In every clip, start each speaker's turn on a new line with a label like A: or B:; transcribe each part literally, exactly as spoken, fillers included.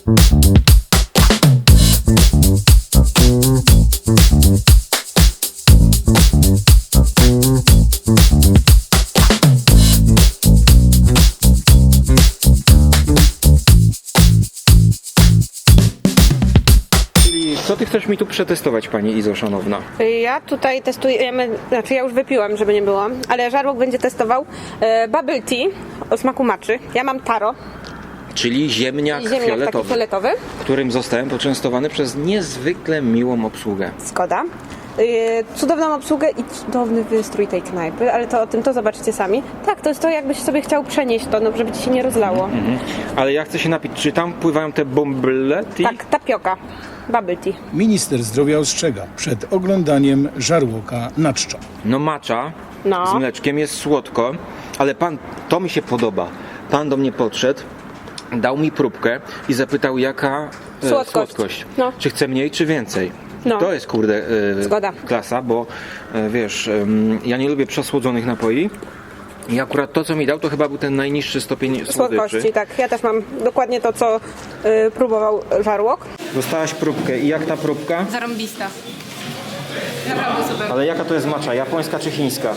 A: Co ty chcesz mi tu przetestować, pani Izo, szanowna?
B: Ja tutaj testujemy, znaczy ja już wypiłam, żeby nie było, ale Żarłok będzie testował e, bubble tea o smaku maczy. Ja mam taro,
A: Czyli ziemniak,
B: ziemniak taki
A: fioletowy,
B: fioletowy.
A: którym zostałem poczęstowany przez niezwykle miłą obsługę.
B: Zgoda. Yy, cudowną obsługę i cudowny wystrój tej knajpy, ale to o tym to zobaczycie sami. Tak, to jest to, jakbyś sobie chciał przenieść to, no, żeby ci się nie rozlało.
A: Mhm. Ale ja chcę się napić. Czy tam pływają te bąblety?
B: Tak, tapioka, bubble tea.
C: Minister zdrowia ostrzega przed oglądaniem żarłoka na czczo.
A: No macza
B: No.
A: z mleczkiem, jest słodko, ale pan, to mi się podoba. Pan do mnie podszedł, dał mi próbkę i zapytał, jaka e,
B: Słodkość.
A: słodkość.
B: No.
A: Czy chce mniej, czy więcej.
B: No.
A: To jest, kurde, e,
B: Zgoda.
A: klasa, bo e, wiesz, em, ja nie lubię przesłodzonych napoi i akurat to, co mi dał, to chyba był ten najniższy stopień słodyczy.
B: Słodkości, tak. Ja też mam dokładnie to, co yy, próbował Żarłok.
A: Dostałaś próbkę i jak ta próbka?
B: Zarąbista. Naprawdę super.
A: Ale jaka to jest macza? Japońska czy chińska?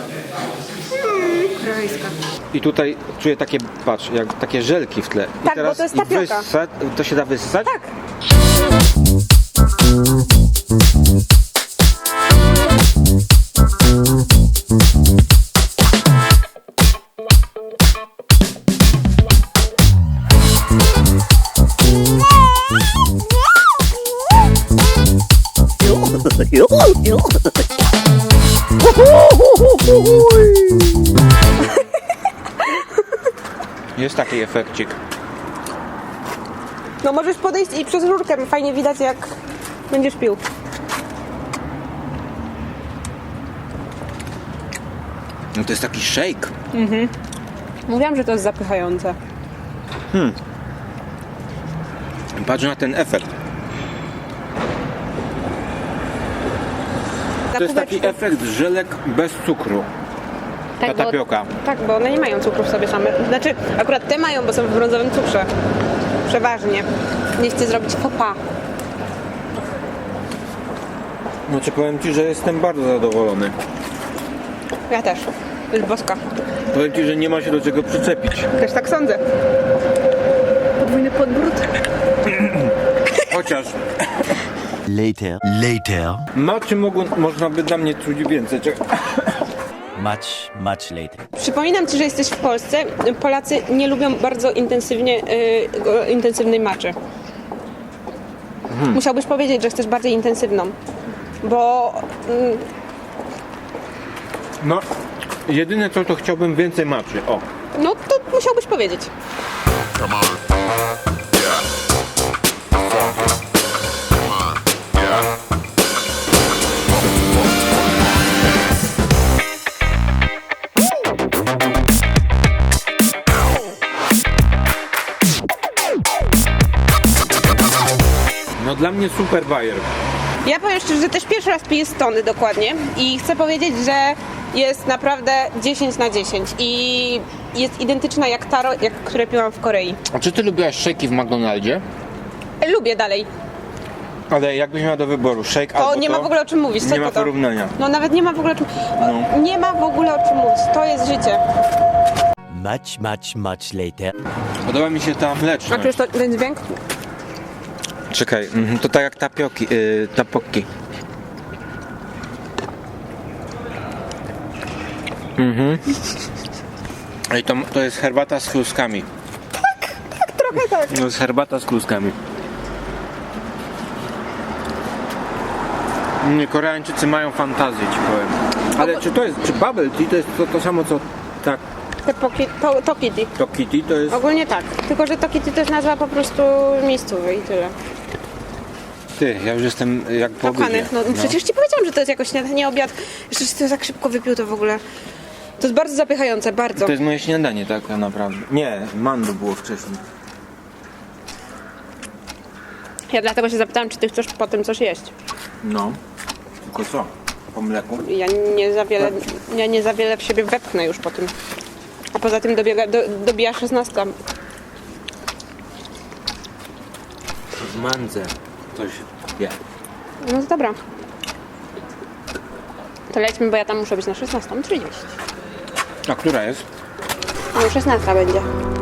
B: Krajska.
A: I tutaj czuję takie, patrz, jak takie żelki w tle. I
B: Tak, bo to jest
A: i
B: tapioka.
A: wyssa- to się da wyssać?
B: Tak.
A: Jest taki efekcik.
B: No możesz podejść i przez rurkę fajnie widać, jak będziesz pił.
A: No to jest taki shake.
B: Mówiłam, że to jest zapychające.
A: Patrz na ten efekt. To jest taki efekt żelek bez cukru. Ta
B: bo-
A: tapioka.
B: Tak, bo one nie mają cukru w sobie same. Znaczy, akurat te mają, bo są w brązowym cukrze. Przeważnie. Nie chcę zrobić faux pas.
A: Znaczy powiem ci, że jestem bardzo zadowolony.
B: Ja też. To jest boska.
A: Powiem ci, że nie ma się do czego przyczepić.
B: Też tak sądzę. Podwójny podbród.
A: Chociaż
D: Later. Later.
A: maczy mogło, można by dla mnie czuć więcej. Czekaj.
D: Much, much later.
B: Przypominam Ci, że jesteś w Polsce. Polacy nie lubią bardzo intensywnie, yy, go- intensywnej maczy. Musiałbyś powiedzieć, że chcesz bardziej intensywną. Bo mm,
A: No, jedyne co, to chciałbym więcej maczy. O.
B: no to musiałbyś powiedzieć.
E: Come on. Yeah. Come on. Yeah.
A: No dla mnie super bajer.
B: Ja powiem szczerze, że też pierwszy raz piję Stony dokładnie i chcę powiedzieć, że jest naprawdę dziesięć na dziesięć i jest identyczna jak taro, jak które piłam w Korei.
A: A czy ty lubiłaś shake'i w McDonaldzie?
B: Lubię dalej.
A: Ale jakbyś miała do wyboru shake
B: To
A: albo
B: nie ma
A: to,
B: w ogóle o czym mówić. Co
A: nie ma
B: to to?
A: porównania.
B: No nawet nie ma w ogóle o czym...
A: No.
B: Nie ma w ogóle o czym mówić. To jest życie.
D: Much, much, much later.
A: Podoba mi się ta
B: A
A: mleczność.
B: czujesz to, ten dźwięk?
A: Czekaj, mhm, to tak jak tapioki, yy, tapoki. Mhm. I to, to jest herbata z kluskami.
B: Trochę tak.
A: To jest herbata z kluskami. Nie, Koreańczycy mają fantazję, ci powiem. Ale czy to jest, czy bubble tea to jest to, to samo co tak,
B: Te poki, to, to kitty.
A: to kitty to jest...
B: Ogólnie tak. Tylko, że to kitty też nazwa po prostu miejscowy i tyle.
A: Ty, ja już jestem jak po
B: Kochany.
A: obiedzie.
B: No,
A: No.
B: przecież Ci powiedziałam, że to jest jakoś śniadanie, obiad. Jeszcze się to tak szybko wypił, to w ogóle... To jest bardzo zapychające, bardzo.
A: To jest moje śniadanie tak naprawdę. Nie, mandu było wcześniej.
B: Ja dlatego się zapytałam, czy Ty chcesz po tym coś jeść.
A: No. Tylko co? Po mleku?
B: Ja nie za wiele, ja nie za wiele w siebie wepchnę już po tym. A poza tym dobiega, do, dobija szesnasta.
A: w mandze coś je.
B: No to dobra. To lećmy, bo ja tam muszę być na szesnastą trzydzieści.
A: A która jest?
B: No szesnasta będzie.